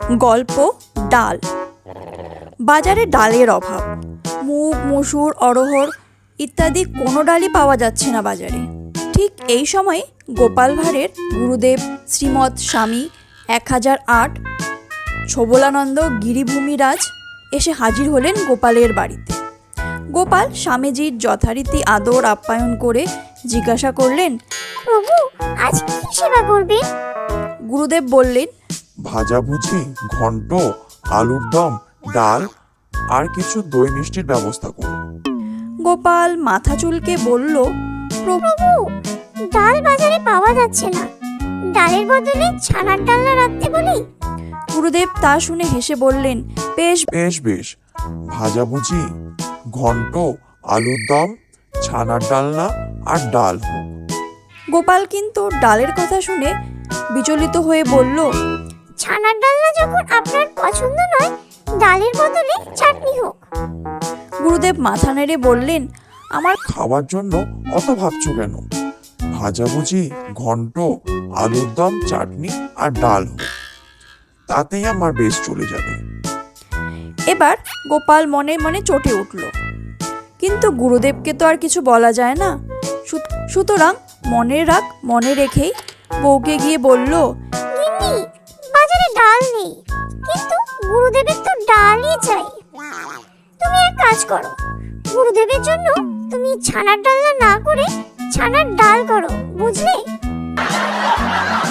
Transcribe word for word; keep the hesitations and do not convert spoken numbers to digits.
গল্প ডাল। বাজারে ডালের অভাব। মুগ, মসুর, অড়হর ইত্যাদি কোনো ডালই পাওয়া যাচ্ছে না বাজারে। ঠিক এই সময় গোপাল ভাঁড়ের গুরুদেব শ্রীমৎ স্বামী এক হাজার আট ছবলানন্দ গিরিভূমিরাজ এসে হাজির হলেন গোপালের বাড়িতে। গোপাল স্বামীজির যথারীতি আদর আপ্যায়ন করে জিজ্ঞাসা করলেন, প্রভু, আজ কি সেবা করবেন? গুরুদেব বললেন, ভাজাভুজি, ঘন্ট, আলুর দম, ডাল আর কিছু দই মিষ্টির ব্যবস্থা করুন। গোপাল মাথা চুলকে বলল, প্রভু, ডাল বাজারে পাওয়া যাচ্ছে না, ডালের বদলে ছানার ডালনা রাখতে বলি। গুরুদেব তা শুনে হেসে বললেন, বেশ বেশ বেশ, ভাজাভুজি, ঘন্ট, আলুর দম, ছানার ডালনা আর ডাল হোক। গোপাল কিন্তু ডালের কথা শুনে বিচলিত হয়ে বলল, ছানার ডালনা যখন আপনার পছন্দ নয়, ডালের বদলে চাটনি হোক। গুরুদেব মাথা নেড়ে বললেন, আমার খাওয়ার জন্য অত ভাবছো কেন? ভাজাভুজি, ঘন্ট, আলুর দম, চাটনি আর ডাল হোক, তাতেই আমার বেশ চলে যাবে। এবার গোপাল মনে মনে চটে উঠল, কিন্তু গুরুদেবকে তো আর কিছু বলা যায় না। সু- সুতরাং মনে রাখ মনে রেখেই বউকে গিয়ে বলল, গিন্নি, বাজারে ডাল নেই, কিন্তু গুরুদেবের তো ডালই চাই। তুমি এক কাজ করো, গুরুদেবের জন্য তুমি ছানার ডালনা না করে ছানার ডাল করো, বুঝলে?